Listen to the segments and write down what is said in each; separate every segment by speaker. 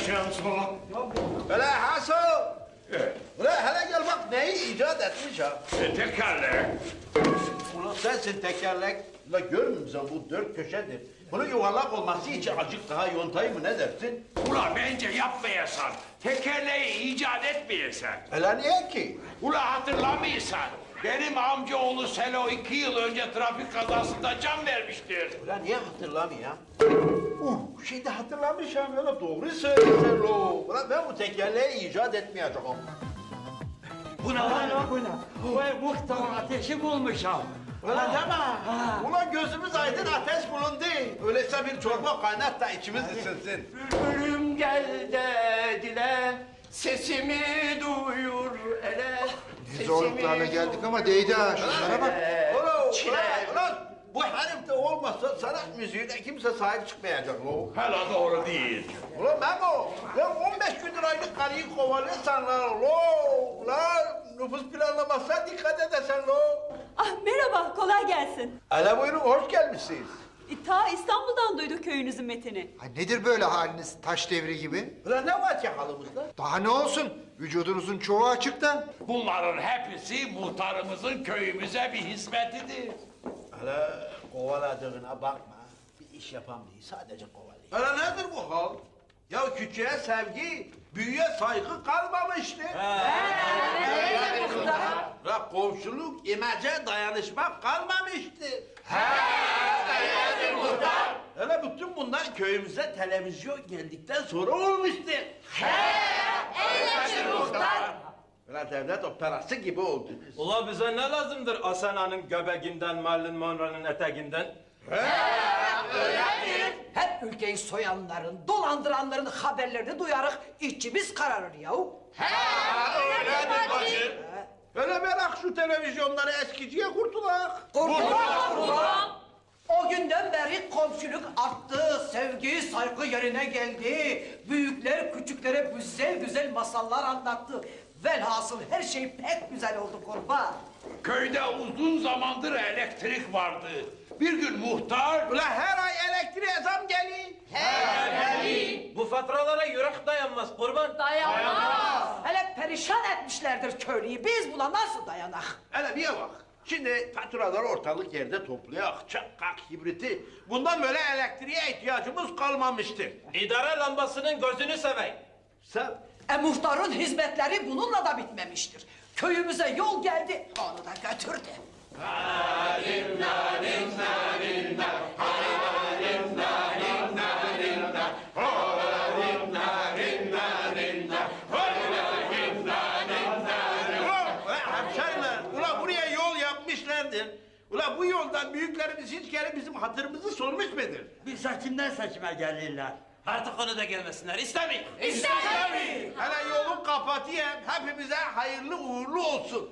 Speaker 1: yapmayacağım sana.
Speaker 2: Öyle Hasan. Ulan hele gel bak neyi icat etmiş ha.
Speaker 1: Tekerlek.
Speaker 2: Ulan sensin tekerlek. Ulan görmüyor musun bu dört köşedir. Bunun yuvarlak olması için acık daha yontayım mı ne dersin?
Speaker 1: Ula bence yapmayasan. Tekerleği icat etmeyesen.
Speaker 2: Hele niye ki?
Speaker 1: Ula hatırlamıyorsan. Benim amcaoğlu Selo 2 yıl önce trafik kazasında can vermiştir.
Speaker 2: Ulan niye hatırlamıyorum? Şimdi hatırlamışım öyle doğru söylüyorsun lo. Ulan ben bu tekerleği icat etmeyeceğim.
Speaker 3: Bu ne lan o? Bu ne? Bu muhtar ateşi bulmuşam.
Speaker 2: Ulan deme. Ulan gözümüz aydın ateş bulundu. Öyleyse bir çorba kaynat da içimiz ısınsın.
Speaker 3: Bülbülüm gel de dile, sesimi duyur ele.
Speaker 4: Biz zorluklarla geldik ama değdi ha. Şunlara bak.
Speaker 2: Ulan bu herif de olmazsa sanat müziğine kimse sahip çıkmayacak lo.
Speaker 1: Hala doğru değil.
Speaker 2: Ulan Memo, ya 15 gündür aylık karıyı kovalıyorsan lan lo. Ulan nüfus planlamasına dikkat edesen lo.
Speaker 5: Ah merhaba, kolay gelsin.
Speaker 2: Hele buyurun, hoş gelmişsiniz.
Speaker 5: Ta İstanbul'dan duyduk köyünüzün metini.
Speaker 4: Ha, nedir böyle haliniz taş devri gibi?
Speaker 2: Ulan ne var ki halımızda?
Speaker 4: Daha ne olsun? Vücudunuzun çoğu açıkta.
Speaker 1: Bunların hepsi muhtarımızın köyümüze bir hizmetidir.
Speaker 2: Hele kovaladığına bakma. Bir iş yapam değil, sadece kovalıyor. Hele nedir bu hal? Ya küçüğe sevgi, büyüğe saygı kalmamıştı. Ya komşuluk, imece, dayanışma kalmamıştı. Hele bütün bunlar köyümüze televizyon geldikten sonra olmuştu. Ulan devlet operası gibi oldu.
Speaker 6: Ula bize ne lazımdır Asena'nın göbeğinden, Marilyn Monroe'nun eteğinden?
Speaker 7: Hep ülkeyi soyanların, dolandıranların haberlerini duyarık içimiz kararır yahu.
Speaker 1: Öyledir bacı.
Speaker 2: Öyle merak şu televizyonları eskiciye kurtulak.
Speaker 7: Kurban! O günden beri komşuluk arttı, sevgi, saygı yerine geldi. Büyükler küçüklere güzel güzel masallar anlattı. Velhasıl her şey pek güzel oldu kurban.
Speaker 1: Köyde uzun zamandır elektrik vardı. Bir gün muhtar...
Speaker 2: Ulan her ay elektriğe zam geliyor.
Speaker 6: Bu faturalara yürek dayanmaz kurban.
Speaker 7: Hele perişan etmişlerdir köylüyü. Biz buna nasıl dayanak?
Speaker 2: Hele bir bak. Şimdi faturaları ortalık yerde toplayak, çakak, hibriti. Bundan böyle elektriğe ihtiyacımız kalmamıştır.
Speaker 6: İdare lambasının gözünü seveyim.
Speaker 2: Sen...
Speaker 7: Muhtarın hizmetleri bununla da bitmemiştir. Köyümüze yol geldi, onu da götürdü.
Speaker 2: Ulan hemşeriler, ulan buraya yol yapmışlardır. Ulan bu yoldan büyüklerimiz hiç kere bizim hatırımızı sormuş mudur?
Speaker 3: Bir seçimden seçime gelirler.
Speaker 6: Artık onu da gelmesinler. İstemeyin.
Speaker 2: Hele yolun kapatayım, hepimize hayırlı uğurlu olsun.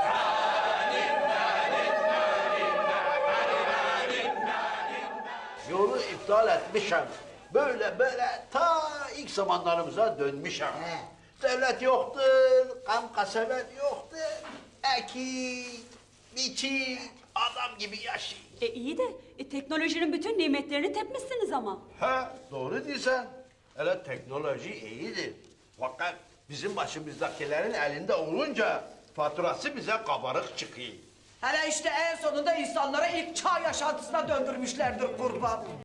Speaker 2: Yolu iptal etmişim. Böyle ta ilk zamanlarımıza dönmüşüm. Devlet yoktur, kam kasabet yoktur. Ekik, biçik, adam gibi yaşayın.
Speaker 5: İyi de teknolojinin bütün nimetlerini tepmişsiniz ama.
Speaker 2: Ha, doğru diyorsun. Hele teknoloji iyidir. Fakat bizim başımızdakilerin elinde olunca faturası bize kabarık çıkıyor.
Speaker 7: Hele işte en sonunda insanları ilk çağ yaşantısına döndürmüşlerdir kurban.